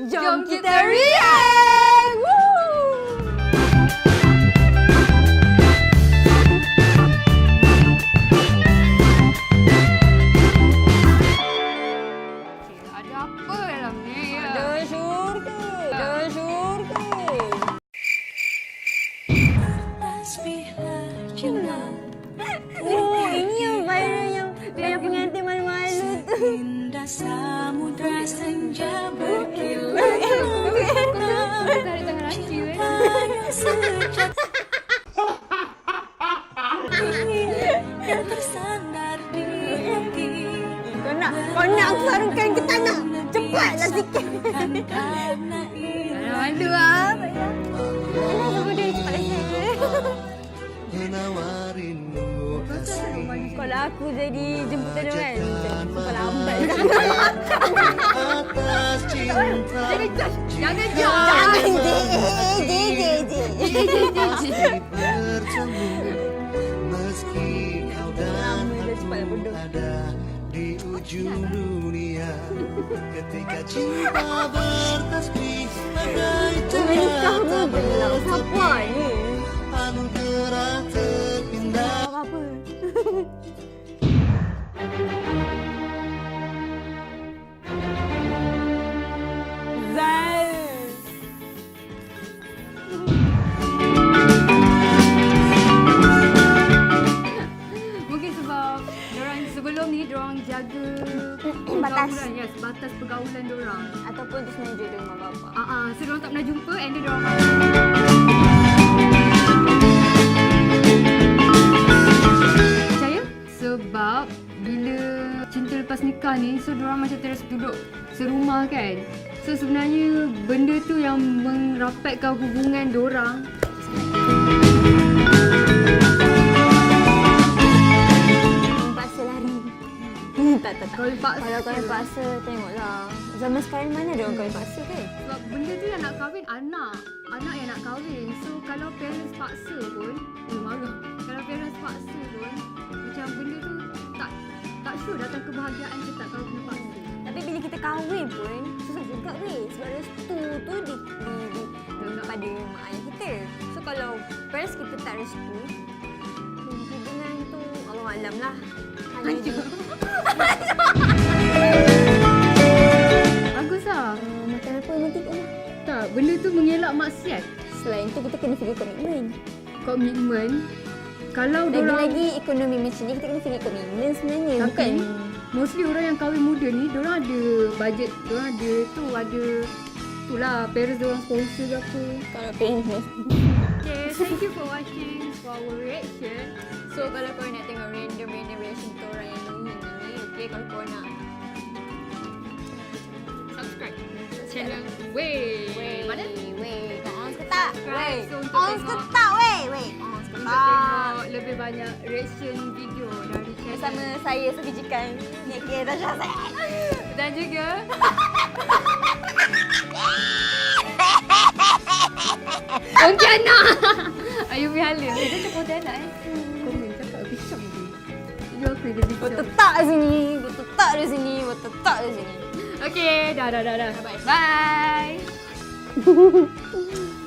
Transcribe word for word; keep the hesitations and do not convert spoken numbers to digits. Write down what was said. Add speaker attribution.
Speaker 1: Jom kita react! Woo!
Speaker 2: Ada apa dalam ni?
Speaker 1: Ada syurga. Ada syurga. Oh, ini yang viral yang yang pengantin malu-malu tu.
Speaker 3: Indah samudra senja berkilau.
Speaker 2: Tarik tangan Raci eh.
Speaker 3: Yang tersandar di hati.
Speaker 1: Kau nak, kau nak aku sarungkan ke tak nak? Cepatlah sikit.
Speaker 3: Karena ini
Speaker 2: Ada malu ah.
Speaker 1: Alah, sama dia cepat sikit.
Speaker 4: Menawarinmu kasih
Speaker 1: Kalau aku jadi jemputan dia kan, sampai lambat.
Speaker 4: atas cinta.
Speaker 2: Jangan judge. Jangan judge.
Speaker 1: Jangan, je, je, je, je.
Speaker 4: Masih bertemu meski kau dan
Speaker 1: Lama dah cepat
Speaker 4: aku
Speaker 1: bodoh.
Speaker 4: ada di ujung dunia. Ketika cinta bertasbih bagai
Speaker 1: Menikah pun
Speaker 4: tanda
Speaker 1: belum. Siapa ni?
Speaker 4: anugerah terpindah.
Speaker 1: Apa-apa. Zal.
Speaker 2: Mungkin sebab diorang sebelum ni diorang jaga
Speaker 1: Batas.
Speaker 2: pergaulan, yes, batas pergaulan diorang.
Speaker 1: Ataupun terus menuju di rumah bapa.
Speaker 2: Ah ah, so diorang tak pernah jumpa and then diorang percaya sebab bila cinta lepas nikah ni, so diorang macam terus duduk serumah kan. So sebenarnya benda tu yang merapatkan hubungan diorang.
Speaker 1: Paksa lari. Hmm, tak, tak, tak.
Speaker 2: Kahwin paksa.
Speaker 1: Kalau kahwin paksa, tengoklah. Zaman sekarang mana ada orang kahwin paksa kan?
Speaker 2: Sebab benda tu yang nak kahwin anak. Anak yang nak kahwin. So kalau parents paksa pun, eh marah. Kalau parents paksa pun, macam benda tu tak tak sure datang kebahagiaan ke tak kalau kena paksa.
Speaker 1: Tapi bila kita kahwin pun, susah juga weh. Sebab restu tu di, di, di, di pada mak ayah kita. So kalau parents kita tak restu, hubungan tu Allah alam lah. Hanya di,
Speaker 2: Bagus lah.
Speaker 1: uh, makan apa nanti kan?
Speaker 2: Tak, benda tu mengelak maksiat.
Speaker 1: Selain tu kita kena fikir komitmen.
Speaker 2: Komitmen. Kalau diorang,
Speaker 1: Lagi-lagi ekonomi macam ni kita kena fikir komitmen sebenarnya.
Speaker 2: tapi
Speaker 1: Bukan
Speaker 2: mostly orang yang kahwin muda ni, diorang ada budget, diorang ada tu, ada tu lah, parents diorang sponsor ke apa.
Speaker 1: kalau parents.
Speaker 2: Okay, thank you for watching for our reaction.
Speaker 1: So kalau kau nak tengok random-random reaction kita orang yang ini ni, okay, kalau kau nak
Speaker 2: Subscribe channel Wey. Mana?
Speaker 1: Weh, kau on ke tak?
Speaker 2: Subscribe.
Speaker 1: Weh,
Speaker 2: So, untuk
Speaker 1: on ke
Speaker 2: tengok-
Speaker 1: tak? Weh, weh, on ke
Speaker 2: Untuk
Speaker 1: tak?
Speaker 2: tengok lebih banyak reaction video dari channel
Speaker 1: Bersama saya Sofi Jikan, Nia Tasha Zaid.
Speaker 2: dan juga Pontianak. Ayu Mihala. Eh, dia cakap Pontianak eh. Komen cakap bincang je. Dia aku dia
Speaker 1: Kau
Speaker 2: bincang.
Speaker 1: tetap di sini, kau tetap di sini, kau tetap di sini.
Speaker 2: Okay, dah dah dah dah. Bye. Bye.